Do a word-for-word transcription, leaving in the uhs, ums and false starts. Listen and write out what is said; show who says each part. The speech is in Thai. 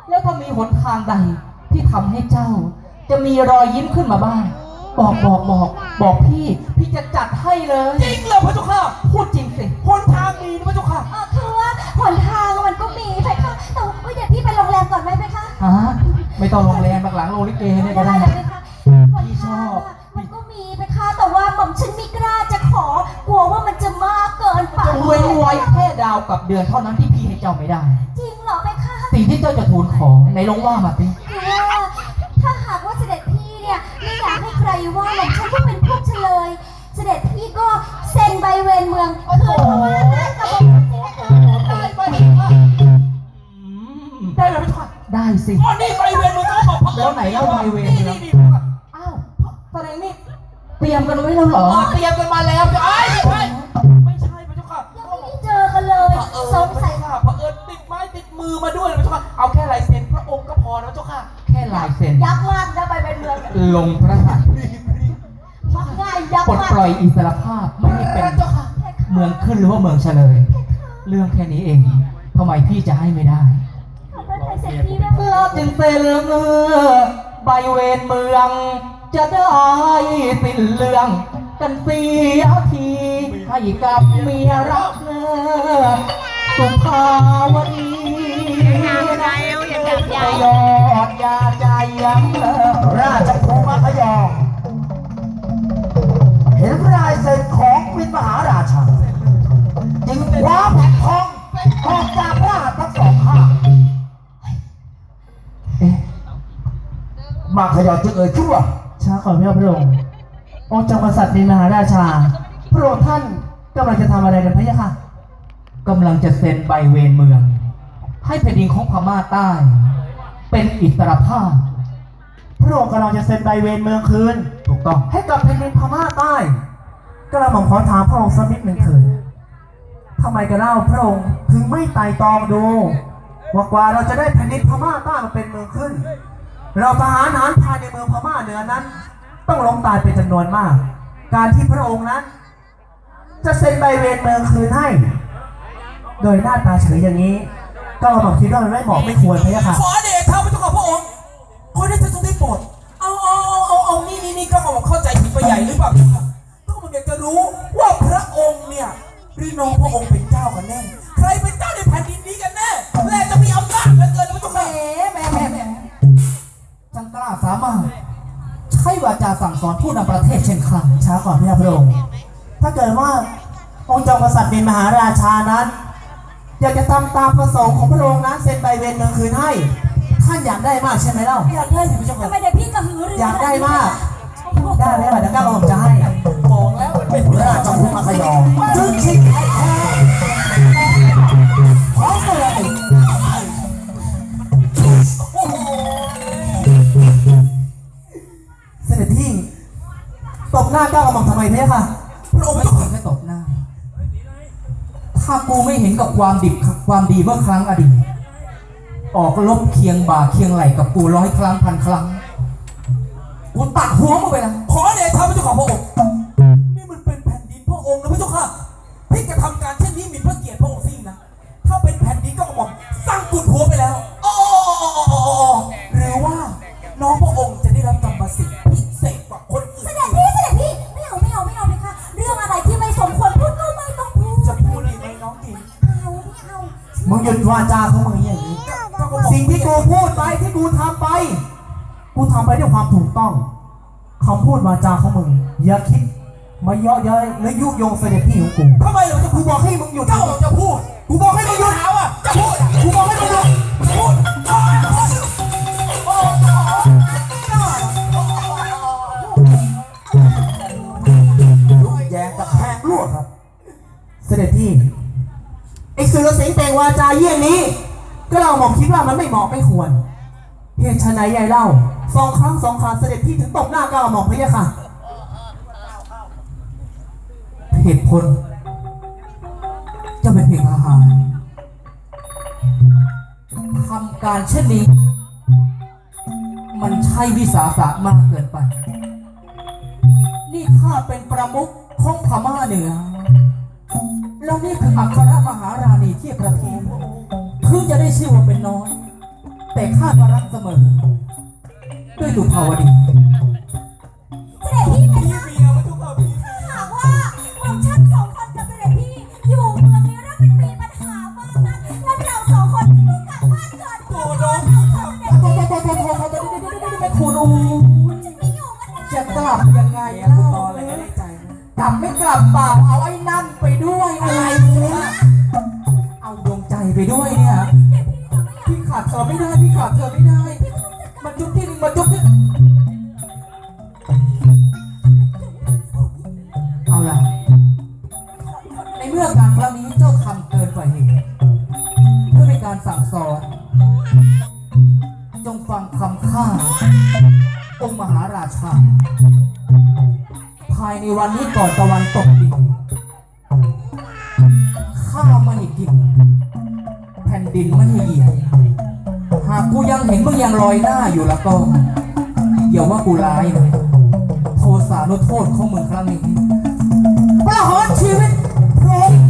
Speaker 1: แล้วถ้ามีหนทางใดที่ทำให้เจ้า จะมีรอยยิ้มขึ้นมาบ้างบอกบอกบอกบอกพี่พี่จะจัดให้เลยจริงเหรอพระเจ้าค่ะพูดจริงสิหนทางมีนะพระเจ้าค่ะ
Speaker 2: เออคือว่าหนทางมันก็มีไปค่ะแต่ว่าเดี๋ยวพี่ไปโรงแรมก่อนไหมไปคะ
Speaker 1: ฮะไม่ต้องโรงแรมหลังโรงลิเกเนี่ยก็ได้
Speaker 2: ได้เลยค่ะพี่ชอบมันก็มีไปค่ะแต่ว่าหม่อมฉันไม่กล้าจะขอกลัวว่ามันจะมากเกินไป
Speaker 1: จะเว้นไว้แค่ดาวกับเดือนเท่านั้นที่พี่ให้เจ้าไม่ได้
Speaker 2: จริงเหรอไปคะ
Speaker 1: สิ่งที่เจ้าจะทูลขอในลงว่ามาสิ
Speaker 2: คือว่าถ้าหากว่าเสด็จพี่เนี่ยไม่อยากให้ใครว่าหม่อมฉันก็เป็นพวกเฉลยเสด็จพี่ก็เซ็นใบเวรเมืองคือเพราะว่าได้กับหม่อมฉันได้ไป
Speaker 1: ได้ไหมพี่ชายได้สิ
Speaker 3: อ๋อนี่ใบเวรมึงก็บอก
Speaker 1: แล้วไหนเล่าใบเวรเมืองอ้าวแสดงนี่เตรียมกันไว้แล้วเหรอ
Speaker 3: เตรียมกันมาแล้วจะไอ้ไม่ใช่ไม่ใช่พระเจ้าค่ะ
Speaker 2: ยังไม่ได้เจอกันเลยสงสัย
Speaker 3: ค่ะเผอิญติดไม้ติดมือมาด้วยพระเจ้าค่ะเอาแค่ลายเซ็นพระองค์ก็พอนะพระเจ้าค่ะ
Speaker 1: แค่ลายเซ็น
Speaker 2: ยักษ์มากนะใบเวรเมือง
Speaker 1: ลงพระหัตถ์
Speaker 2: มักง่ายยักษ์
Speaker 1: ปลดปล่อยอิสรภาพไม่ให้เป็นเมืองขึ้นหรือว่าเมืองเฉลยเรื่องแค่นี้เองทำไมพี่จะให้ไม่ได้เราจึงเซ็นเมื่อใบเวรเมืองจะได้สิ้นเรื่องกันเสียทีให้กับเมียรักเนอสุภาวดียอดยาใจยัง
Speaker 4: ราชครูมัธยมเห็นลายเซ็นของวินมหาราชาจึงคว้าแผ่นทองออกจากพระหัตถ์ทั้งสองข้างมัธยมจึงเอ่ยชื่อว่า
Speaker 1: ช้าก่อนพี่พระองค์องค์จอมกษัตริย์วินมหาราชาพระองค์ท่านกำลังจะทำอะไรกันพะยะค่ะกำลังจะเซ็นใบเวรเมืองให้แผ่นดินของพม่าใต้เป็นอิสรภาพพระองค์กำลังจะเซ็นใบเวรเมืองคืนถูกต้องให้กับแผ่นดินพม่าใต้กระหม่อมขอถามพระองค์สักนิดหนึ่งเถิดทำไมกันเล่าพระองค์ถึงไม่ไต่ตองดูว่ากว่าเราจะได้แผ่นดินพม่าใต้มาเป็นเมืองขึ้นเราทหารหารภายในเมืองพม่าเหนือนั้นต้องล้มตายเป็นจำนวนมากการที่พระองค์นั้นจะเซ็นใบเวรเมืองคืนให้โดยหน้าตาเฉยอย่างนี้ก็เราบอกคิดว่ามันไม่เหมาะไม่ควรพะยะค่ะ
Speaker 3: ขอเดชะพระเจ้าค่ะพระองค์ขอได้ทรงได้โปรดเอาเอาเอาเอาเอานี่นี่นี่ก็เอาเข้าใจผิดไปใหญ่หรือเปล่าก็มันอยากจะรู้ว่าพระองค์เนี่ยหรือน้องพระองค์เป็นเจ้ากันแน่ใครเป็นเจ้าในแผ่นดินนี้กันแน่และจะมีอำนาจเหลือเกินพระเจ้าค่ะ
Speaker 1: แหมแหมแหมจังกล้าสามารถใช้วาจาสั่งสอนผู้นำประเทศเช่นครั้งช้าก่อนพี่พระองค์ถ้าเกิดว่าองค์จอมกษัตริย์เป็นมหาราชานั้นอยากจะทำตามประสงค์ของพระองค์นั้นเซ็นใบเวรเมืองคืนให้ท่านอยากได้มากใช่ไหมเล่า
Speaker 3: อยากได้สิพระเจ้าค่ะ
Speaker 2: ทำไมเดี๋ยวพี่กระหือรือ
Speaker 1: อยากได้มากได้ไหมล่ะเดี๋ยวก้าวผมจะให้
Speaker 3: บอกแล้วเป็น
Speaker 4: ราชครูมัธยมจึงชิงไอ้แท้ขอเสนอ
Speaker 1: เสด็จพี่ตบหน้าก้าวกระหม่อมทำไมเนี่ยค่ะพระองค์ไม่เคยแค่ตบหน้าถ้ากูไม่เห็นกับความดิบความดีเมื่อครั้งอดีตออกลบเคียงบ่าเคียงไหลกับกูร้อยครั้งพันครั้งกูตัดหัวมึงไปแล้ว
Speaker 3: ขอเดชะพระเจ้าค่ะพระองค์นี่มันเป็นแผ่นดินพระองค์นะพระเจ้าค่ะที่จะทำการเช่นนี้มีพระเกียรติพระองค์สินะถ้าเป็นแผ่นดินก็กระหม่อมสร้างกุดหัวไปแล้วอ๋อหรือว่าน้องพระองค์จะได้รับกรรมสิทธิ์พิเศษกว่าคนอื่น
Speaker 2: เสด็จพี่เสด็จพี่ไม่เอาไม่เอาไม่เอาไปค่ะเรื่องอะไรที่ไม่สมควรพูดก็ไม่ต้องพูด
Speaker 3: จะพูดอีกไหมน้องดิ
Speaker 2: เอาไม่เอา
Speaker 1: มึงหยุดวาจาของมึงอย่างนี้สิ่งที่กูพูดไปที่กูทำไปกูทำไปด้วยความถูกต้องคำพูดวาจาของมึงอย่าคิดมาเยาะเย้ยและยุยงเสด็จพี่ของกู
Speaker 3: ทำไมเราจะ
Speaker 1: กูบอกให้มึงหยุด
Speaker 3: เจ้าจะพูด
Speaker 1: กูบอกให้มึงหยุด
Speaker 3: เอาอ่ะจะพูด
Speaker 1: กูบอกให้มึงหยุด
Speaker 3: จะพูด
Speaker 4: แยงกับแพงรั่วครับ
Speaker 1: เสด็จพี่ไอ้สื่อเสียงแต่งวาจาเยี่ยงนี้ก็เราหม่อมคิดว่ามันไม่เหมาะไม่ควรเหตุไฉนใหญ่เล่าสองครั้งสองคราเสด็จพี่ถึงตบหน้าก้าวหม่อมพะยะค่ะเหตุผลจะเป็นเพียงอาหารทำการเช่นนี้มันใช่วิสาสะมากเกินไปนี่ข้าเป็นประมุขของพม่าเหนือแล้วนี่คืออัครมหาราณีที่ประเทศคือจะได้ชื่อว่าเป็นน้อยแต่แต่ข้าก็รักเสมอ ด้วยสุภาวดี
Speaker 2: เสด็จพี่เพ
Speaker 3: พี่
Speaker 2: คะ
Speaker 3: เมียพระเจ้าค่ะพี่
Speaker 2: ถ้าหากว่าหม่อมฉันสองคนกับเสด็จพี่อยู่เมืองนี้แล้วมันมีปัญหามากนะงั้นเราสองคนก็กลับบ้านก่อนเถอะเสด็จ
Speaker 1: โท
Speaker 2: พี่
Speaker 1: ษโทษโทษโทษโทษโทษไม่คุณอู
Speaker 2: จะไม่อยู่กันนะ
Speaker 1: จะกลับยังไง
Speaker 3: เมีย
Speaker 1: เล่า
Speaker 3: กูตออะไรก็ได้ใจนะ
Speaker 1: กลับไม่กลับเปล่าเอาไอ้นั่นไปด้วยอะไรเนี่ยเอาดวงใจไปด้วยเนี่ย พี่ขาดเธอไม่ได้ พี่ขาดเธอไม่ได้ มาจุ๊บที่หนึ่งมาจุ๊บที่เอาล่ะ ในเมื่อการครั้งนี้เจ้าทำเกินกว่าเหตุเพื่อเป็นการสั่งสอน จงฟังคำข้าองค์มหาราชา ภายในวันนี้ก่อนตะวันตกดินข้าวไม่ให้กิน แผ่นดินไม่ให้เหยียบหากกูยังเห็นมึงยังลอยหน้าอยู่แล้วก็อย่าว่ากูร้ายเลยโทสานุโทษของมึงครั้งนี้ประหารชีวิตพร้อม